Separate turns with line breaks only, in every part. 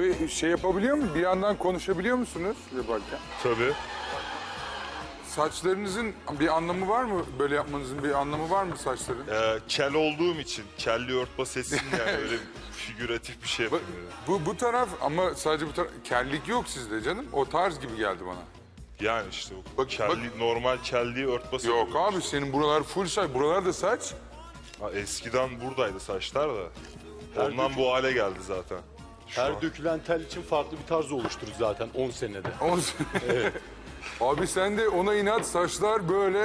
Abi şey yapabiliyor mu? Bir yandan konuşabiliyor musunuz yaparken?
Tabii.
Saçlarınızın bir anlamı var mı? Böyle yapmanızın bir anlamı var mı saçların?
Kel olduğum için kelli örtbas etsin yani öyle figüratif bir şey yapıyorum.
Bu taraf ama sadece bu taraf. Kellik yok sizde canım. O tarz gibi geldi bana.
Yani işte o
Bak-
normal kelliği örtbas
Yok
yapıyorum
abi
işte.
senin buralar full saç. Buralar da saç.
Ha, eskiden buradaydı saçlar da. Ondan bu hale geldi zaten. Şu an.
Her dökülen tel için farklı bir tarz oluşturur zaten 10 senede.
Evet. Abi sen de ona inat saçlar böyle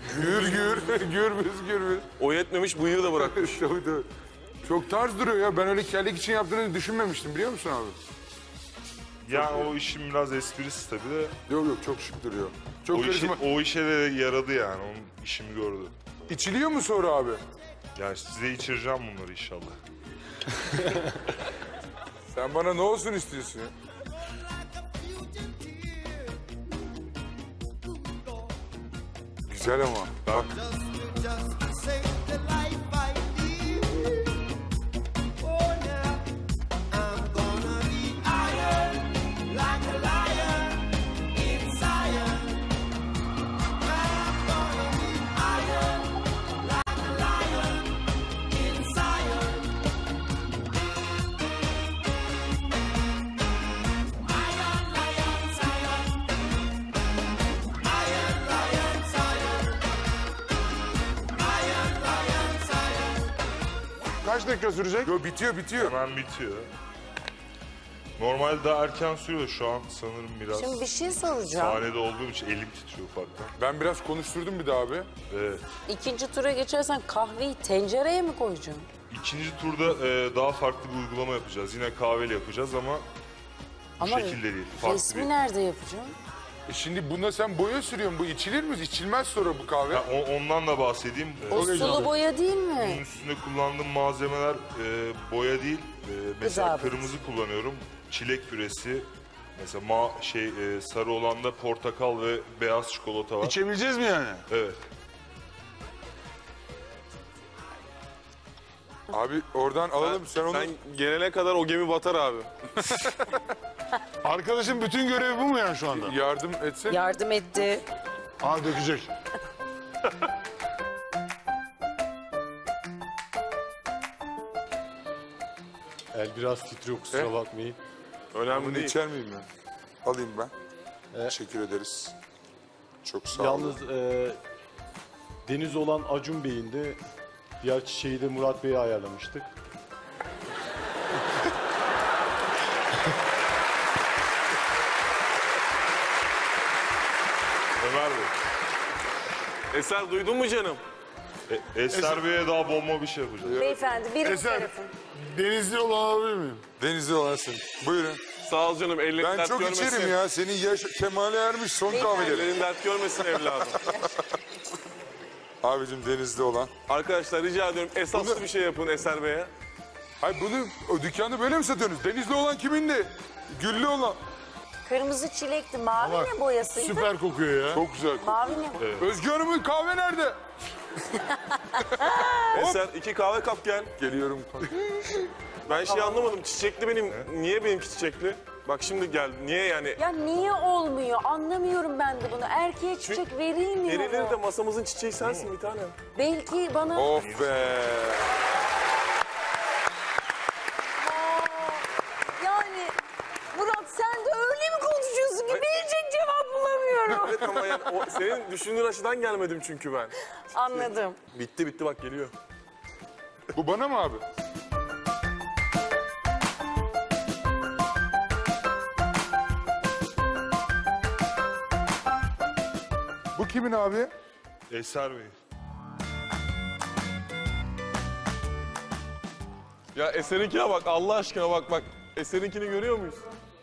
gürbüz.
O yetmemiş bıyığı da bırakmış.
Tabii, tabii. Çok tarz duruyor ya. Ben öyle kellik için yaptığını düşünmemiştim biliyor musun abi?
Yani o işin biraz esprisi tabii de.
Yok çok şık duruyor. Çok karizma.
O işe de yaradı yani. Onun işimi gördü.
İçiliyor mu sonra abi?
Yani size içireceğim bunları inşallah.
Sen bana ne olsun istiyorsun ya? Güzel ama. Bak.
Kaç dakika sürecek?
Yo bitiyor.
Hemen bitiyor. Normalde daha erken sürüyor şu an sanırım biraz.
Şimdi bir şey soracağım.
Sahnede olduğum için elim titriyor ufaktan.
Ben biraz konuşturdum bir daha abi.
Evet.
İkinci tura geçersen kahveyi tencereye mi koyacaksın?
İkinci turda daha farklı bir uygulama yapacağız. Yine kahveli yapacağız ama bu şekilde değil. Farklı
resmi
bir...
nerede yapacaksın?
Şimdi bunda sen boya sürüyorsun. Bu içilir mi? İçilmez sonra bu kahve.
Ha, ondan da bahsedeyim.
O sulu boya değil
Bunun
mi?
üstünde kullandığım malzemeler boya değil. Mesela
Gıda
kırmızı kullanıyorum. Çilek püresi. Mesela sarı olanda portakal ve beyaz çikolata var.
İçebileceğiz mi yani?
Evet.
Abi oradan alalım. Sen onu...
Sen gelene kadar o gemi batar abi.
Arkadaşın bütün görevi bu mu yani şu anda?
yardım etsen.
Yardım etti.
Aa dökecek.
El biraz titriyor kusura bakmayın.
Önemli
Bunu
değil.
içer miyim ben? Alayım ben. Teşekkür ederiz. Çok sağ olun.
Yalnız deniz olan Acun Bey'in de diğer çiçeği de Murat Bey'e ayarlamıştık.
Ömer Bey.
Eser duydun mu canım?
Eser Bey'e daha bomba bir şey yapacağız.
Beyefendi birinci
Eser.
tarafın.
Denizli olan alabilir miyim?
Denizli olasın. Buyurun.
Sağ ol canım. Ellerin
Ben
dert
çok
görmesin.
içerim ya. Senin yaş kemale ermiş son kahveleri.
Ellerin dert görmesin evladım.
Abicim Denizli olan.
Arkadaşlar rica ediyorum esaslı bir şey yapın Eser Bey'e.
Hayır bunu o dükkanda böyle mi satıyorsunuz? Denizli olan kimindi? Güllü olan.
Kırmızı çilekti. Mavi ne boyasıydı?
Süper kokuyor ya.
Çok güzel.
Mavi ne?
Özgür Hanım'ın kahve nerede?
Eser 2 kahve kap gel.
Geliyorum.
Ben anlamadım. Çiçekli benim. Niye benimki çiçekli? Bak şimdi gel. Niye yani?
Ya niye olmuyor? Anlamıyorum ben de bunu. Erkeğe çiçek verilmiyor
Verilir
mu?
de masamızın çiçeği sensin bir tane.
Belki bana...
Of be.
Yani Murat sen de öyle mi konuşuyorsun ki verecek cevap bulamıyorum.
Evet ama yani senin düşündüğün açıdan gelmedim çünkü ben.
Anladım.
Bitti bak geliyor.
Bu bana mı abi? Bu kimin abi?
Eser Bey.
Ya Eser'inkine bak Allah aşkına bak. Eser'inkini görüyor muyuz?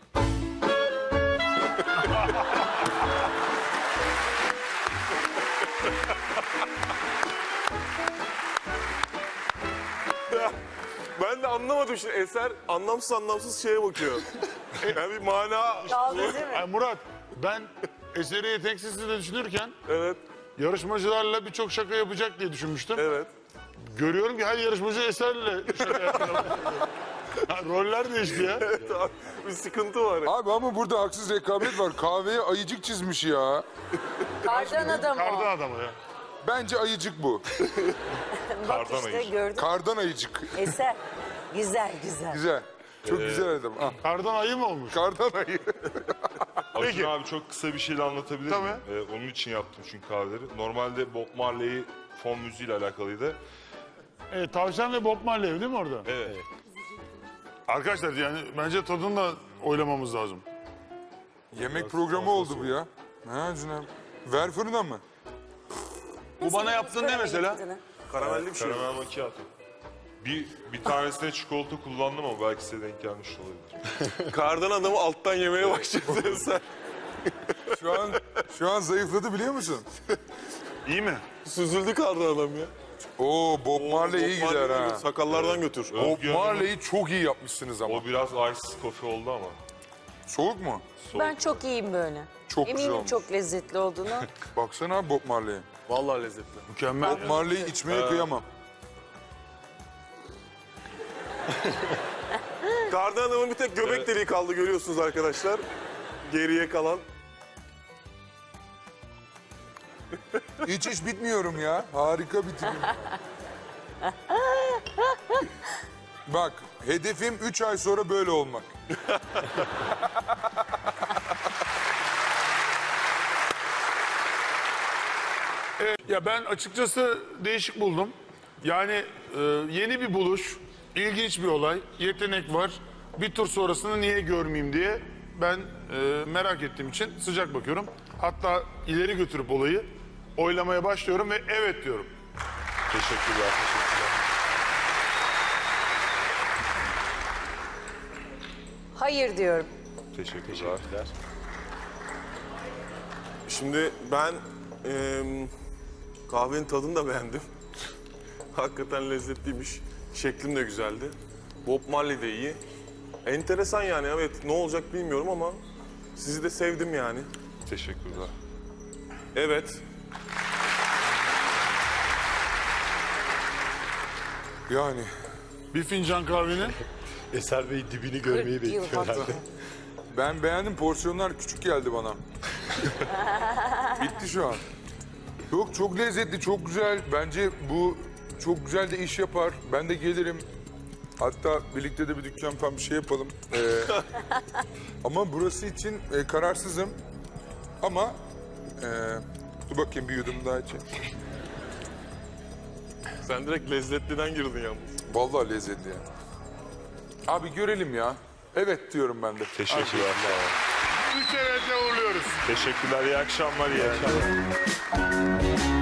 Ya, ben de anlamadım şimdi. Eser anlamsız şeye bakıyor. Yani bir mana...
Dalga değil mi?
Ay Murat, ben eseri yeteneksiz de düşünürken
Evet,
yarışmacılarla birçok şaka yapacak diye düşünmüştüm.
evet.
Görüyorum ki her yarışmacı eserle şaka yapıyor. Roller değişti ya.
Evet abi, bir sıkıntı var.
Abi ama burada haksız rekabet var. Kahveye ayıcık çizmiş ya.
Kardan adam o.
Kardan adamı ya.
Bence ayıcık bu.
Bak
Kardan
işte
ayıcık.
gördün.
Kardan ayıcık.
Eser. Güzel güzel.
Güzel. Çok güzel adam. Ah,
Kardan ayı mı olmuş?
kardan ayı.
Acun abi çok kısa bir şeyle anlatabilir
Tabii.
miyim? Onun için yaptım çünkü kahveleri. Normalde Bob Marley fon müziğiyle alakalıydı.
Evet, tavşan ve Bob Marley değil mi orada?
Evet.
Arkadaşlar yani bence tadını da oylamamız lazım.
Yemek programı oldu bu ya. Ha Cüneyt. Ver fırına mı?
Bu bana yaptığın ne mesela?
Karamelli bir şey.
Karamel macchiato. Bir tanesine çikolata kullandım ama belki size denk gelmiş olabilir.
Kardan adamı alttan yemeye başladı Eser.
Şu an zayıfladı biliyor musun?
İyi mi?
Süzüldü kardan adam ya.
Oo Bob Marley iyi
Bob
gider
Marley'i
ha.
Sakallardan götür.
Bob
Özgür
Marley'i çok iyi yapmışsınız ama.
O biraz ice coffee oldu ama.
Soğuk mu?
Ben çok iyiyim böyle.
Çok güzel
Eminim
olmuş.
çok lezzetli olduğunu.
Baksana abi Bob Marley'e.
Vallahi lezzetli.
Mükemmel.
Bob Marley'i içmeye kıyamam.
Kardan adamın bir tek göbek deliği kaldı görüyorsunuz arkadaşlar. Geriye kalan.
Hiç bitmiyorum ya. Harika bir tipim. Bak hedefim 3 ay sonra böyle olmak.
Ya ben açıkçası değişik buldum. Yani yeni bir buluş, ilginç bir olay, yetenek var. Bir tur sonrasını niye görmeyeyim diye ben merak ettiğim için sıcak bakıyorum. Hatta ileri götürüp olayı oylamaya başlıyorum ve evet diyorum.
Teşekkürler.
Hayır diyorum.
Teşekkürler.
Şimdi ben kahvenin tadını da beğendim. Hakikaten lezzetliymiş. Şeklim de güzeldi. Bob Marley de iyi. Enteresan yani, evet, ne olacak bilmiyorum ama sizi de sevdim yani.
Teşekkürler.
Evet.
Yani
Bir fincan kahvenin
Eser Bey dibini görmeyi
40 yıl
bekliyor herhalde.
hatırı.
ben beğendim, porsiyonlar küçük geldi bana. Bitti şu an. Yok çok lezzetli, çok güzel. Bence bu çok güzel de iş yapar. Ben de gelirim. Hatta birlikte de bir dükkan falan bir şey yapalım. Ama burası için kararsızım. Ama dur bakayım bir yudum daha içeyim.
Sen direkt lezzetliden girdin yalnız.
Vallahi lezzetli ya. Abi görelim ya. Evet diyorum ben de.
Teşekkürler. Sağ olun.
3 evetle uğurluyoruz.
Teşekkürler. İyi akşamlar. İyi akşamlar.